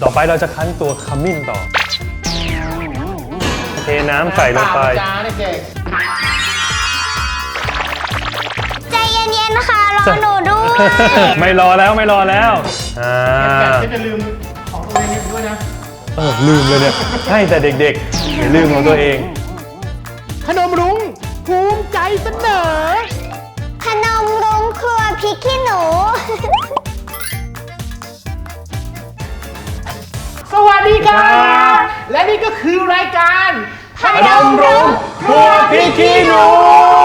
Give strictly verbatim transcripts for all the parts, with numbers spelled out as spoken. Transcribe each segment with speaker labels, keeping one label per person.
Speaker 1: ต่อไปเราจะคั้นตัวขมิ้นต่อเทน้ำใส่ลงไป
Speaker 2: จ้าเด็ก
Speaker 3: ใจเย็นๆนะคะรอหนูด้วย
Speaker 1: ไม่รอแล้วไม่รอแล้วอ่า
Speaker 2: ๆจะลืมของตัวเองด้วยนะ
Speaker 1: เออลืมเลยเนี่ยให้แต่เด็กๆอย่าลืมของตัวเอง
Speaker 2: ขนมรุ้งภูมิใจเสนอ
Speaker 3: ขนมรุ้งครัวพริกขี้หนู
Speaker 2: สวัสดีครับและนี่ก็คือรายการ
Speaker 3: ขนมรุ้งครัวพริกขี้หนู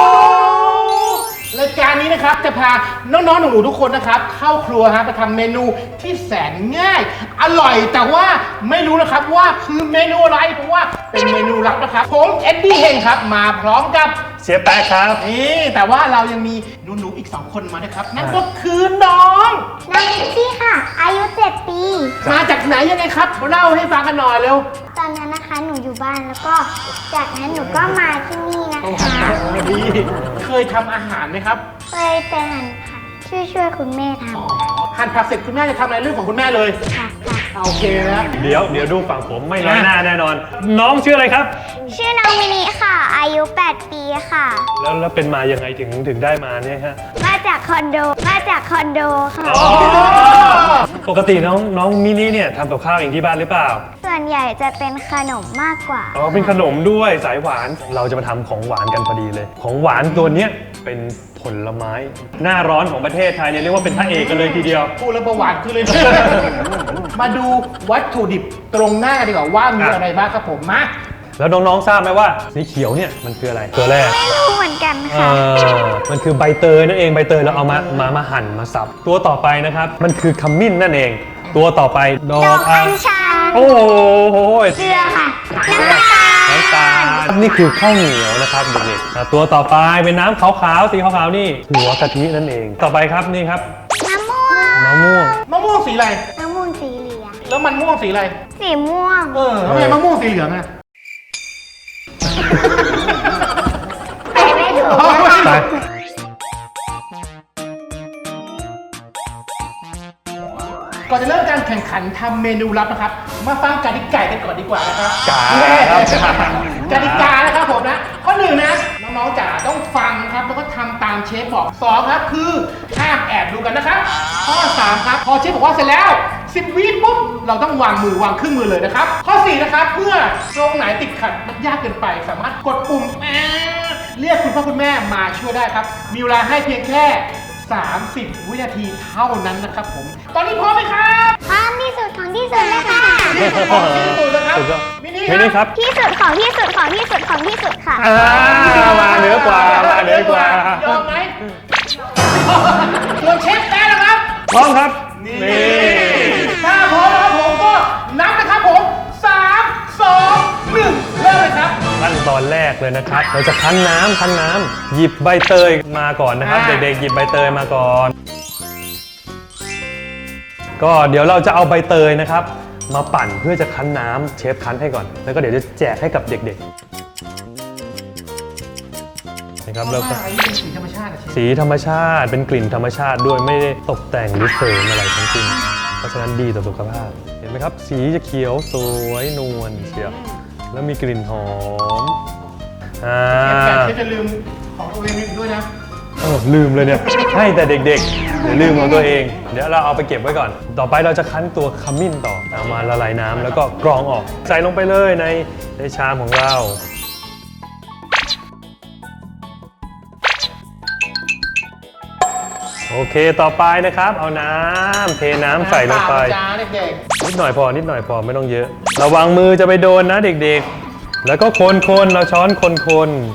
Speaker 2: รายการนี้นะครับจะพาน้องๆหนูๆทุกคนนะครับเข้าครัวฮะไปทำเมนูที่แสนง่ายอร่อยแต่ว่าไม่รู้นะครับว่าคือเมนูอะไรเพราะว่าเป็นเมนูลับนะครับผมเอ็ดดี้เฮงครับมาพร้อมกับ
Speaker 1: เชฟแป๊ะครับ
Speaker 2: นี่แต่ว่าเรายังมีหนูๆอีกสองคนมาด้วยครับนั่นก็คือน้อง
Speaker 3: น้องลิซซี่ค่ะอายุเจ็ดปี
Speaker 2: มาจากไหนยังไงครับเล่าให้ฟังกันหน่อยเร็ว
Speaker 3: ตอนนั้นนะคะหนูอยู่บ้านแล้วก็จากนั้นหนูก็มาที่นี่นะคะ
Speaker 2: ดีเคยทำอาหารไหมครับ
Speaker 3: เคยแต่หั่นผักช่วยช่วยคุณแม่ทำ
Speaker 2: หั่นผักเสร็จคุณแม่จะทำอะไรเรื่องของคุณแม่เลย
Speaker 3: ค่ะค่ะ
Speaker 2: โอเคนะ
Speaker 1: เดี๋ยวเดี๋ยวดูฝั่งผมไม่น้อยหน้าแน่นอนน้องชื่ออะไรครับ
Speaker 3: ชื่อน้องมินิค่ะอายุแปดปีค่ะ
Speaker 1: แล้วแล้วเป็นมายังไงถึงถึงได้มาเนี่ยฮะ
Speaker 3: มาจากคอนโดมาจากคอนโดค่ะ
Speaker 1: ปกติน้องน้องมินิเนี่ยทำกับข้าวเองที่บ้านหรือเปล่า
Speaker 3: ส่วนใหญ่จะเป็นขนมมากกว่า
Speaker 1: อ๋อเป็นขนมด้วยสายหวานเราจะมาทำของหวานกันพอดีเลยของหวานตัวเนี้ยเป็นผลไม้หน้าร้อนของประเทศไทยเนี่ยเรียกว่าเป็นพระเอกกันเลยทีเดียว
Speaker 2: พูดแล้วประวัติคือเลย มาดูวัตถุดิบตรงหน้าดีกว่าว่ามีอะไรบ้างครับผมมา
Speaker 1: แล้วน้องๆทราบไหมว่าสีเขียวเนี่ยมันคืออะไรตัวแรก
Speaker 3: ไม่รู้เหมือนกันค่ะ
Speaker 1: มันคือใบเตยนั่นเองใบเตยเราเอามามามาหั่นมาสับตัวต่อไปนะครับมันคือขมิ้นนั่นเองตัวต่อไป
Speaker 3: ดอกอัญชัน
Speaker 1: โอ้โห
Speaker 3: เกลือค่ะน้ำตาล
Speaker 1: น้ำตาลนี่คือข้าวเหนียวนะครับเด็กๆตัวต่อไปเป็นน้ำขาวๆสีขาวๆนี่หัวกะทินั่นเองต่อไปครับนี่ครับ
Speaker 3: มะม่วง
Speaker 1: มะม่วง
Speaker 2: มะม่วงสีอะไร
Speaker 3: มะม่วงสีเหลือง
Speaker 2: แล้วมันม่วงสีอะไร
Speaker 3: สีม่วง
Speaker 2: เออทำไมมะม่วงสีเหลืองอะ
Speaker 3: ไปไม่ถูก
Speaker 2: ก่อนจะเริ่มการแข่งขันทำเมนูลับนะครับมาฟังกติกากันก่อนดีกว่านะครับ
Speaker 1: ก
Speaker 2: กติกานะครับผมนะข้อหนึ่งนะน้องๆจ๋าต้องฟังครับแล้วก็ทำตามเชฟบอกสองครับคือห้ามแอบดูกันนะครับข้อสามครับพอเชฟบอกว่าเสร็จแล้วสิบวิปุ๊บเราต้องวางมือวางครึ่งมือเลยนะครับข้อสี่นะครับเมื่อตรงไหนติดขัดมันยากเกินไปสามารถกดปุ่มเรียกคุณพ่อคุณแม่มาช่วยได้ครับมีเวลาให้เพียงแค่สามสิบวินาทีเท่านั้นนะครับผมตอนนี้พร้อมไหมครับ
Speaker 3: พร้อมที่สุดของที่สุดเลยค่ะ
Speaker 2: ที่สุดของที่สุดนะครับ
Speaker 1: มินิครับ
Speaker 3: ที่สุดของที่สุดของที่สุดของที่สุดค่ะ
Speaker 1: มาเหนือกว่ามาเหนือกว่าย
Speaker 2: อมไหมส่วนเชฟแป๊ะนะครับ
Speaker 1: พร้อมครับ
Speaker 2: นี่ถ้าพร้อมแล้วผมก็นับนะครับผมสามสองหนึ่งเริ่มเลยครับ
Speaker 1: ขั้นตอนแรกเลยนะครับเราจะคั้นน้ำคั้นน้ำหยิบใบเตยมาก่อนนะครับเด็กๆหยิบใบเตยมาก่อนก็เดี๋ยวเราจะเอาใบเตยนะครับมาปั่นเพื่อจะคั้นน้ำเชฟคั้นให้ก่อนแล้วก็เดี๋ยวจะแจกให้กับเด็กๆนะครับแล้วก็
Speaker 2: สีธรรมชาติ
Speaker 1: สีธรรมชาติเป็นกลิ่นธรรมชาติด้วยไม่ได้ตกแต่งหรือเสริมอะไรทั้งสิ้นเพราะฉะนั้นดีต่อสุขภาพเห็นไหมครับสีจะเขียวสวยนวลเชียวแล้วมีกลิ่นหอมอ่า
Speaker 2: เชฟจะลืมของตัวเองด้วยนะ
Speaker 1: เออลืมเลยเนี่ยให้แต่เด็กๆอย่าลืมของตัวเองเดี๋ยวเราเอาไปเก็บไว้ก่อนต่อไปเราจะคั้นตัวขมิ้นต่อเอามาละลายน้ำแล้วก็กรองออกใส่ลงไปเลยในในชามของเราโอเคต่อไปนะครับเอาน้ำเทน้ำใส่ลงไป
Speaker 2: จ้าเด็ก
Speaker 1: ๆนิดหน่อยพอนิดหน่อยพอไม่ต้องเยอะระวังมือจะไปโดนนะเด็กๆแล้วก็คนๆเราช้อนคนๆ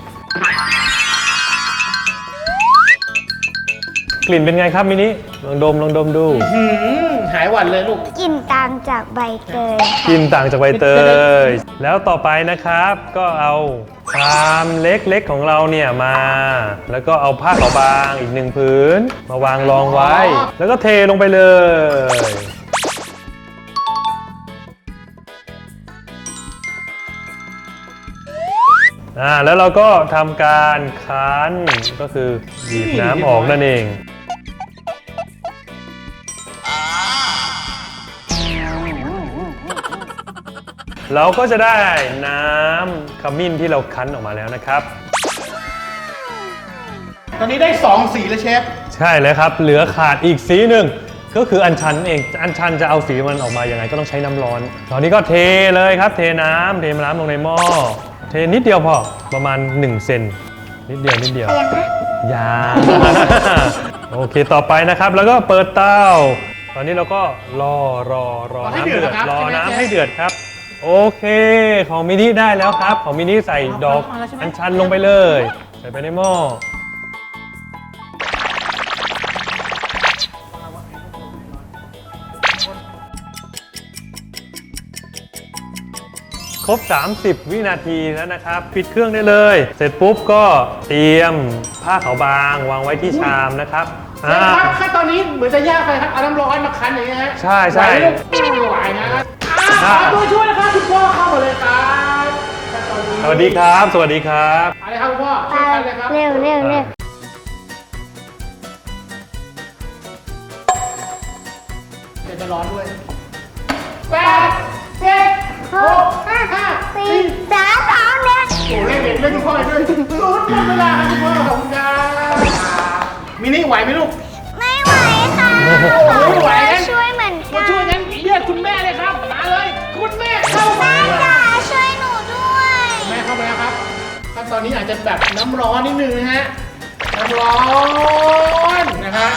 Speaker 1: กลิ่นเป็นไงครับมินิลองดมลองดมดู
Speaker 2: หายหวัดเลยลูก
Speaker 3: กลิ่นต่างจากใบเตย
Speaker 1: กลิ่นต่างจากใบเตยแล้วต่อไปนะครับก็เอาชามเล็กๆของเราเนี่ยมาแล้วก็เอาผ้าขาวบางอีกหนึ่งผืนมาวางรองไว้แล้วก็เทลงไปเลยอ่าแล้วเราก็ทำการคั้นก็คือบีบน้ำออกนั่นเองเราก็จะได้น้ำขมิ้นที่เราคั้นออกมาแล้วนะครับ
Speaker 2: ตอนนี้ได้สองสีแล้วเชฟ
Speaker 1: ใช่เลยครับเหลือขาดอีกสีหนึ่งก็คืออัญชันเองอัญชันจะเอาสีมันออกมายังไงก็ต้องใช้น้ำร้อนตอนนี้ก็เทเลยครับเทน้ำเทน้ำลงในหม้อเทนิดเดียวพอประมาณหนึ่งเซนนิดเดียวนิดเดียว
Speaker 3: เตียงนะ
Speaker 1: ยา โอเคต่อไปนะครับแล้วก็เปิดเตาตอนนี้เราก็รอรอรอ
Speaker 2: รอให้
Speaker 1: น้ำ
Speaker 2: เดื
Speaker 1: เดื
Speaker 2: อ
Speaker 1: อ
Speaker 2: ด
Speaker 1: ด
Speaker 2: ครับ
Speaker 1: รอ
Speaker 2: ใช่ไหม
Speaker 1: น้ำ
Speaker 2: เชฟ
Speaker 1: ให้เดือดครับโอเคของมินิได้แล้วครับของมินิใส่ดอก
Speaker 2: เอาแล้วใช่ไหม
Speaker 1: อัญชันลงไปเลยใส่ไปในหม้อครบ สามสิบ วินาทีแล้วนะครับปิดเครื่องได้เลย เสร็จปุ๊บก็เตรียมผ้าขาวบางวางไว้ที่ชามนะครับ
Speaker 2: เชฟครับขั้นตอนนี้เหมือนจะยากไปครับเอาน้ำร้อนมาคั้นอย่างนี้ฮะ
Speaker 1: ใช่ใช่
Speaker 2: ไหวไหมลูกไม่ไหวนะอ่าขอตัวช่วยนะครับคุณพ่อเข้ามาเลยครับขั้นตอนนี้
Speaker 1: สวัสดีครับ สวัสดีครับ
Speaker 2: อะไรครับคุณพ่อ
Speaker 3: ไป
Speaker 2: ช่วยกันเลยครับ
Speaker 3: เร็วเร็วเร็ว
Speaker 2: เดี๋ยวจะร้อนด้วยแปดเจ็ดหกห้าห้า
Speaker 3: สี่
Speaker 2: สี่
Speaker 3: สามสองหนึ่ง
Speaker 2: โอ้เล่นเด็กเล่นคุณพ่อด้วยศูนย์หมดเวลาครับคุณพ่อขอบคุณครับมินิไหวไหมลูก
Speaker 3: ไม่ไหวค่ะ
Speaker 2: ไม่ไหว
Speaker 3: ช่วยเหมือน
Speaker 2: มา
Speaker 3: กัน
Speaker 2: ช่วยงั้นเรียกคุณแม่เลยครับมาเลยคุณแม่เข้ามา
Speaker 3: แม่จ๋าช่วยหนูด้วย
Speaker 2: แม่เข้ามาแล้วครับขั้นตอนนี้อาจจะแบบน้ำร้อนนิดนึงนะฮะน้ำร้อนนะฮะ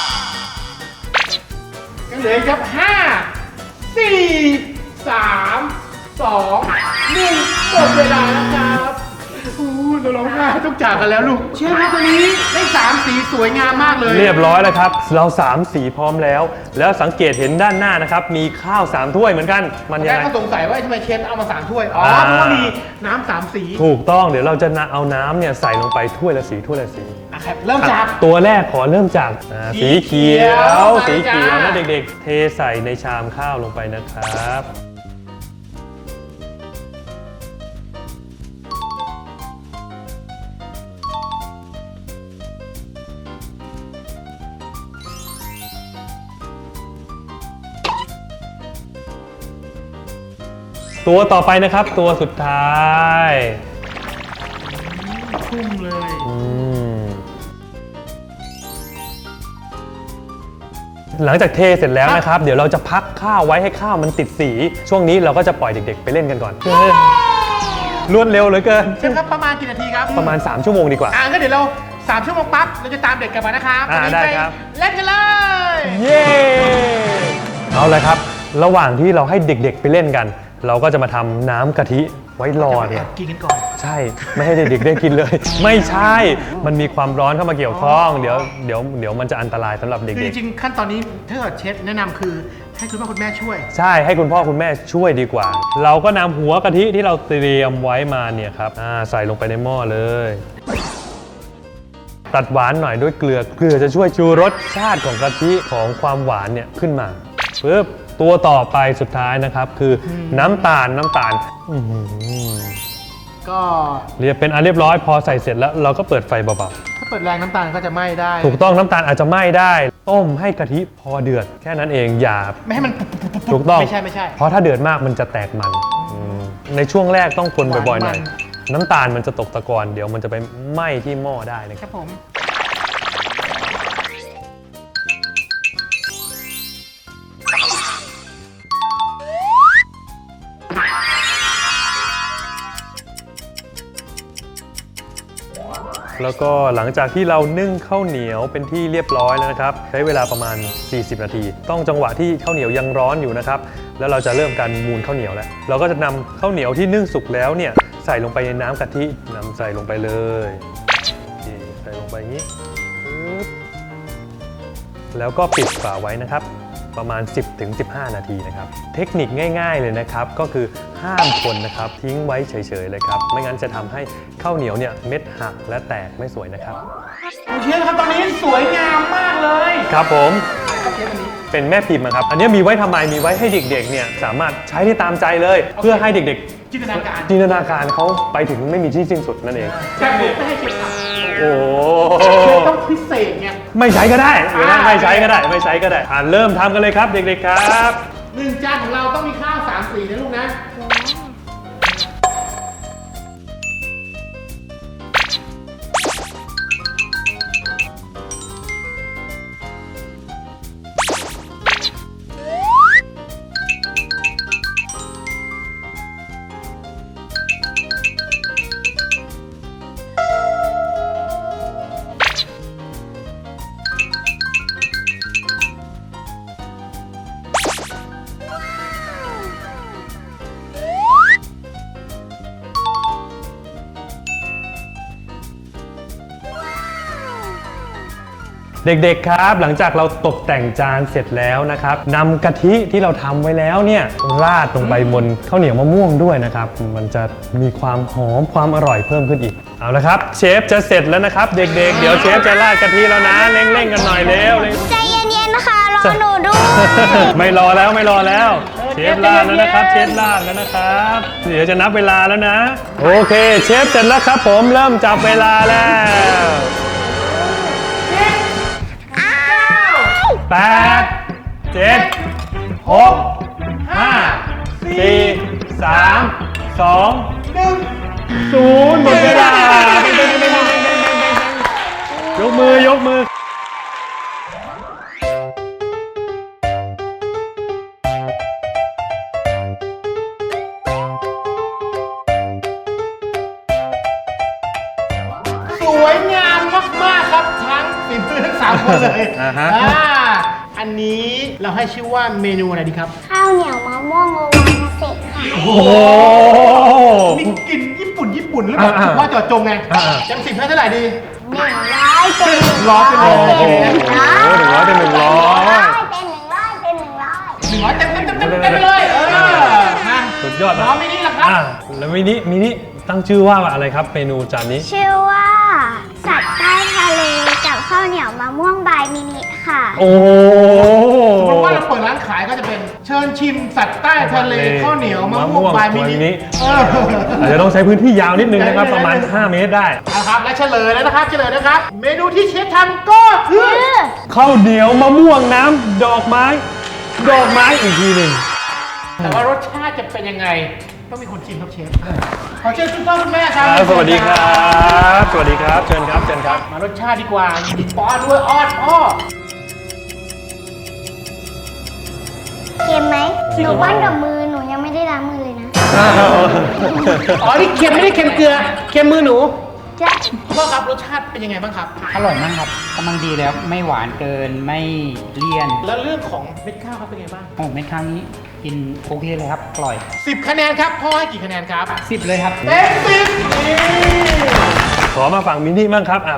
Speaker 2: ยังเหลืออีกครับห้าสี่สามสองหนึ่งหมดเวลาแล้วครับอู้เราร้องไห้ต้องจากกันแล้วลูกเชื่อครับตอนนี้ได้สามสีสวยงามมากเลย
Speaker 1: เรียบร้อยแล้วครับ เราสามสีพร้อมแล้ว แล้วสังเกตเห็นด้านหน้านะครับ มีข้าวสามถ้วยเหมือนกัน มันยัง
Speaker 2: แม่
Speaker 1: ไง
Speaker 2: ก็สงสัยว่าทำไมเชฟเอามาสามถ้วย อ๋อ
Speaker 1: อ่า
Speaker 2: เพราะว่ามีน้ำสามสี
Speaker 1: ถูกต้องเดี๋ยวเราจะเอาน้ำเนี่ยใส่ลงไปถ้วยละสีถ้วยละสี
Speaker 2: อ่ะครับเริ่มจาก
Speaker 1: ตัวแรกขอเริ่มจากอ่า
Speaker 2: สี
Speaker 1: สี
Speaker 2: เขี
Speaker 1: เขี
Speaker 2: ย
Speaker 1: ยว ว
Speaker 2: ใส่
Speaker 1: สีเขียว
Speaker 2: จ้า
Speaker 1: นะเด็กๆ เทใส่ในชามข้าวลงไปนะครับ ตัวต่อไปนะครับตัวสุดท้าย
Speaker 2: ชุ่มเลย
Speaker 1: อืมหลังจากเทเสร็จแล้วนะครับ เดี๋ยวเราจะพักข้าวไว้ให้ข้าวมันติดสี ช่วงนี้เราก็จะปล่อยเด็กๆ ไปเล่นกันก่อนรวดเร็วเหลือเกิน
Speaker 2: เชฟครับประมาณกี่นาทีครับ
Speaker 1: ประมาณ สาม ชั่วโมงดีกว่า
Speaker 2: อ่าก็เดี๋ยวเราสามชั่วโมงปั๊บเราจะตามเด็กกลับมานะครับ
Speaker 1: อ่า
Speaker 2: วันนี้
Speaker 1: ได้
Speaker 2: ป
Speaker 1: ครับ
Speaker 2: เล่นกันเลย
Speaker 1: เย้เอาเลยครับ ระหว่างที่เราให้เด็กๆไปเล่นกัน เราก็จะมาทำน้ำกะทิไว้รอ
Speaker 2: แอ
Speaker 1: เนี่ย
Speaker 2: บกินกันก่อน
Speaker 1: ใช่ ไม่ให้เด็กๆได้กินเลย ไม่ใช่ มันมีความร้อนเข้ามาเกี่ยวข้อง เดี๋ยวเดี๋ยวเดี๋ยวมันจะอันตรายสำหรับเด็
Speaker 2: คือก จริงๆขั้นตอนนี้ถ้าเกิดเชฟแนะนำคือให้คุณพ่อคุณแม่ช่วย
Speaker 1: ๆ ใช่ให้คุณพ่อคุณแม่ช่วยดีกว่า เราก็นำหัวกะทิที่เราเตรียมไว้มาเนี่ยครับอ่าใส่ลงไปในหม้อเลย ตัดหวานหน่อยด้วยเกลือ เกลือจะช่วยชูรสชาติของกะทิของความหวานเนี่ยขึ้นมาปึ๊บตัวต่อไปสุดท้ายนะครับคืออน้ำตาลน้ำตาลอื้อหือ
Speaker 2: ก็
Speaker 1: เรียบเป็นอันเรียบร้อยพอใส่เสร็จแล้วเราก็เปิดไฟเบา
Speaker 2: ถ้าเปิดแรงน้ำตาลก็จะไหม้ได้
Speaker 1: ๆถูกต้องน้ำตาลอาจจะไหม้ได้ ต้มให้กะทิพอเดือด แค่นั้นเองอย่า
Speaker 2: ไม่ให้มัน
Speaker 1: ถูกต้อง
Speaker 2: ไม่ใช่ไม่ใช่
Speaker 1: เพราะถ้าเดือดมากมันจะแตกมันอืมในช่วงแรกต้องคนบ่อยๆหน่อย
Speaker 2: หวาน
Speaker 1: น้ำตาลมันจะตกตะกอนเดี๋ยวมันจะไปไหม้ที่หม้อได้นะ
Speaker 2: ค
Speaker 1: ค
Speaker 2: รั
Speaker 1: รั
Speaker 2: บบ ผม
Speaker 1: แล้วก็หลังจากที่เรานึ่งข้าวเหนียวเป็นที่เรียบร้อยแล้วนะครับ ใช้เวลาประมาณ สี่สิบ นาที ต้องจังหวะที่ข้าวเหนียวยังร้อนอยู่นะครับ แล้วเราจะเริ่มการมูนข้าวเหนียวแล้ว เราก็จะนำข้าวเหนียวที่นึ่งสุกแล้วเนี่ยใส่ลงไปในน้ำกะทินำใส่ลงไปเลยนี่ใส่ลงไปอย่างนี้ปึ๊บแล้วก็ปิดฝาไว้นะครับ ประมาณ สิบถึงสิบห้า นาทีนะครับ เทคนิคง่ายๆเลยนะครับ ก็คือห้ามคนนะครับทิ้งไว้เฉยๆเลยครับ ไม่งั้นจะทำให้ข้าวเหนียวเนี่ยเม็ดหักและแตกไม่สวยนะครับ
Speaker 2: โอเคครับตอนนี้สวยงามมากเลย
Speaker 1: ครับผม
Speaker 2: เชฟอันนี้
Speaker 1: เป็นแม่พิมพ์อะครับ อันนี้มีไว้ทำไม มีไว้ให้เด็กๆ เนี่ยสามารถใช้ได้ตามใจเลย เพื่อให้เด็ก
Speaker 2: จินตนาการ
Speaker 1: ๆ จินตนาการเขาไปถึงไม่มีที่สิ้นสุดนั่นเอง
Speaker 2: แต่ผมไม่ให้เชฟทำ
Speaker 1: โอ้
Speaker 2: เชฟต้องพิเศษไง
Speaker 1: ไม่ใช้ก็ได้หรือว่า
Speaker 2: อ่า
Speaker 1: ไม่ใช้ก็ได้ ไม่ใช้ก็ได้อ่าเริ่มทำกันเลยครับเด็กๆครับ
Speaker 2: หนึ่งจานของเราต้องมีข้าวสามสีนะลูกนะ
Speaker 1: เด็กๆครับหลังจากเราตกแต่งจานเสร็จแล้วนะครับนำกะทิที่เราทำไว้แล้วเนี่ยราดลงไปบนข้าวเหนียวมะม่วงด้วยนะครับมันจะมีความหอมความอร่อยเพิ่มขึ้นอีกเอาละครับเชฟจะเสร็จแล้วนะครับเด็กๆเดี๋ยวเชฟจะราดกะทิแล้วนะเร่งๆกันหน่อยเร็ว
Speaker 3: ใจเย็นๆนะคะรอหนูด้วย
Speaker 1: ไม่รอแล้วไม่รอแล้วเชฟราดแล้วนะครับเชฟราดแล้วนะครับเดี๋ยวจะนับเวลาแล้วนะโอเคเชฟเสร็จแล้วครับผมเริ่มจับเวลาแล้วแปดเจ็ดหกห้าสี่สามสองหนึ่งศูนย์หมดเวลายกมือยกมือ
Speaker 2: สวยงามมากๆครับทั้งฝีมือทั้งสามคนเลย
Speaker 1: อ่าฮะ
Speaker 2: อ่าอันนี้เราให้ชื่อว่าเมนูอะไรดีครับ
Speaker 3: ข้าวเหนียวมะม่วงโอวานเสร็จค่ะ
Speaker 1: โอ้โห
Speaker 2: มีกลิ่นญี่ปุ่นญี่ปุ่นหรือเปล่า
Speaker 1: อ่าๆ
Speaker 2: ว่าเจอดจงไง
Speaker 1: อ่าๆ
Speaker 2: จำสิบให้เท่าไหร่ดี
Speaker 3: หนึ่งร้อยเป็นหนึ่ง
Speaker 2: ร้อยเป็นหนึ่งร้อย
Speaker 3: เป็นหนึ่งร้อย
Speaker 1: โอ้โหหนึ่งร้อยเป็นหนึ่งร้อย
Speaker 3: เป็นหนึ่งร้อยเป็นหนึ่งร้อย
Speaker 2: หนึ่งร้อยเต็มเต็มเต็มเต็มเต็มไปเลย เออมา
Speaker 1: สุดยอด
Speaker 2: น้องมินิล่ะครับ
Speaker 1: อ่ะแล้วมินิมินิตั้งชื่อว่าอะไรครับเมนูจานนี้
Speaker 3: ชื่อว่าสัตว์ใต้ทะเลกับข้าวเหนียวมะม่วงบายมินิค่ะ
Speaker 1: โอ้
Speaker 2: สมมติว่าเราเปิดร้านขายก็จะเป็นเชิญชิมสัตว์ใต้ทะเลข้าวเหนียวมะม่วงบายมินิเออ
Speaker 1: อาจจะต้องใช้พื้นที่ยาวนิดนึงนะครับประมาณห้าเมตรได้
Speaker 2: นะครับและเฉลยแล้วนะครับเฉลยนะครับ เมนูที่เชฟทำก็คือ
Speaker 1: ข้าวเหนียวมะม่วงน้ำดอกไม้ ดอกไม้อีกทีหนึ่ง
Speaker 2: แต่ว่ารสชาติจะเป็นยังไงต้องมีคนชิมครับเชฟขอเชิญคุณพ่อคุณแม่ครั
Speaker 1: ครับ บสวัสดีครับ สวัสดีครับ เชิญครับเชิญครับ
Speaker 2: มารสชาติดีกว่ามีป้อนด้วยอ้อนพ่อ
Speaker 3: เค็มไหมหนูป้อนกับมือหนูยังไม่ได้ล้างมือเลยนะ
Speaker 2: อ๋อนี่เค็มไม่ได้เค็มเกลือเค็มมือหนู
Speaker 3: จะ
Speaker 2: พ่อครับรสชาติเป็นยังไงบ้างครับ
Speaker 4: อร่อยมากครับกำลังดีแล้วไม่หวานเกินไม่เลี่ยน
Speaker 2: แล้วเรื่องของเม็ดข้าวครับเป็นไงบ้าง
Speaker 4: โอ้เม็ดข้าวนี้กินโอเคเลยครับอร่อย
Speaker 2: สิบคะแนนครับพ่อให้กี่คะแนนครับ
Speaker 4: สิบเลยครับ
Speaker 2: เต็มสิบนี่
Speaker 1: ขอมาฝั่งมินิบ้างครับอ้าว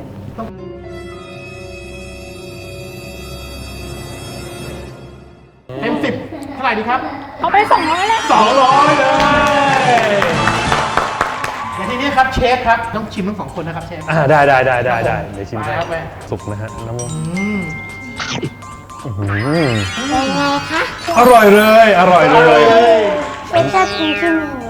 Speaker 2: เต็มสิบเท่าไหร่ดีครับ
Speaker 3: เอาไปสองร้อยเลย
Speaker 2: สองร้อยเลยและทีนี้ครับเชฟครับต้องชิมทั้งสองคนนะครับเชฟ
Speaker 1: อ่าได้ได้ได้ได้ได้เดี๋ยวชิมให้
Speaker 2: ไปครับแม่
Speaker 1: สุกนะฮะน้ำมัน
Speaker 2: อืม
Speaker 1: อื้อหือ
Speaker 3: เป็นไงคะ
Speaker 1: อร่อยเลย อร่อยเลย
Speaker 3: เป็นชอบกินที่มือ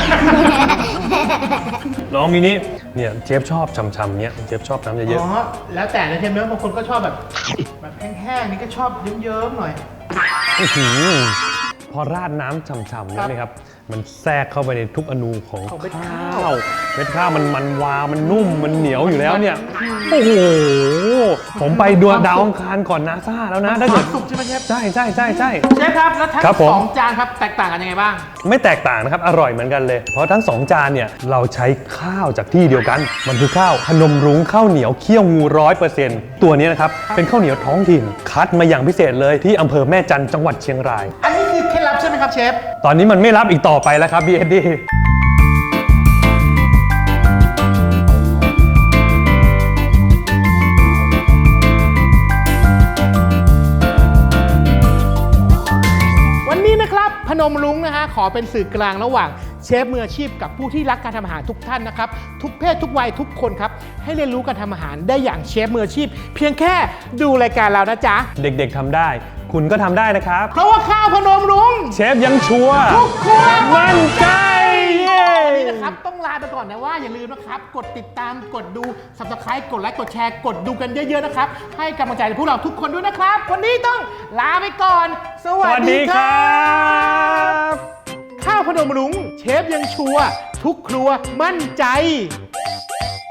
Speaker 1: น้องมินิเนี่ยเจฟชอบช่ำๆเนี้ยเจฟชอบน้ำเย
Speaker 2: อ๋
Speaker 1: อะ
Speaker 2: อแล้วแต่นะเชฟเนอะบางคนก็ชอบแบบแบบแห้งๆนี่ก็ชอบเยิ้มๆหน่อย
Speaker 1: ๆอื้อหือพอราดน้ำช่ำๆแล้วนี่ครับ มันแทรกเข้าไปในทุกอนูของ
Speaker 2: ของเม็ดข้า
Speaker 1: ข้าว วเม็ดข้าวมันมันวาวมันนุ่มมันเหนียวอยู่แล้วเนี่ย โอ้โห ผมไปดวงดาวอังคารก่อนนาซาแล้วนะถ้า
Speaker 2: ค
Speaker 1: เกิ
Speaker 2: วา
Speaker 1: ด
Speaker 2: มสุขใช่ไหมเชฟ
Speaker 1: ใช่ใช่ใช่ใช่
Speaker 2: เชฟครับแล้วทั้ง
Speaker 1: ครับผม
Speaker 2: สองจานครับแตกต่างกันยังไงบ้าง
Speaker 1: ไม่แตกต่างนะครับ อร่อยเหมือนกันเลย เพราะทั้งสองจานเนี่ยเราใช้ข้าวจากที่เดียวกัน มันคือข้าวพนมรุ้งข้าวเหนียวเคี่ยวงูร้อยเปอร์เซ็นต์ตัวนี้นะครับ เป็นข้าวเหนียวท้องถิ่น คัดมาอย่างพิเศษเลยที่อำเภอแม่จันทร์จังหวัดเชียงราย
Speaker 2: อันนี้คือเคล็ดลับใช่ไหมครับเชฟ
Speaker 1: ตอนนี้มันไม่รับอีกต่อไปแล้วครับ บี เอส ดี
Speaker 2: วันนี้นะครับพนมรุ้งนะฮะขอเป็นสื่อกลางระหว่างเชฟมืออาชีพกับผู้ที่รักการทำอาหารทุกท่านนะครับทุกเพศทุกวัยทุกคนครับให้เรียนรู้การทำอาหารได้อย่างเชฟมืออาชีพ เพียงแค่ดูรายการเรานะจ๊ะ
Speaker 1: เด็กๆทำได้ คุณก็ทำได้นะครับ
Speaker 2: เพราะว่าข้าวพนมรุ้ง
Speaker 1: เชฟยังชัวร์
Speaker 2: ทุกครัว
Speaker 1: มั่นใจเย้
Speaker 2: วันนี้นะครับต้องลาไปก่อนนะว่าอย่าลืมนะครับกดติดตามกดดู Subscribe กดไลค์กดแชร์กดดูกันเยอะๆนะครับให้กำลังใจพวกเราทุกคนด้วยนะครับ วันนี้ต้องลาไปก่อน ส
Speaker 1: ส
Speaker 2: วัส
Speaker 1: วัส
Speaker 2: ดี
Speaker 1: ดี
Speaker 2: ค
Speaker 1: ค
Speaker 2: รั
Speaker 1: รับ บ
Speaker 2: ข้าวพนมรุ้งเชฟยังชัวร์ทุกครัวมั่นใจ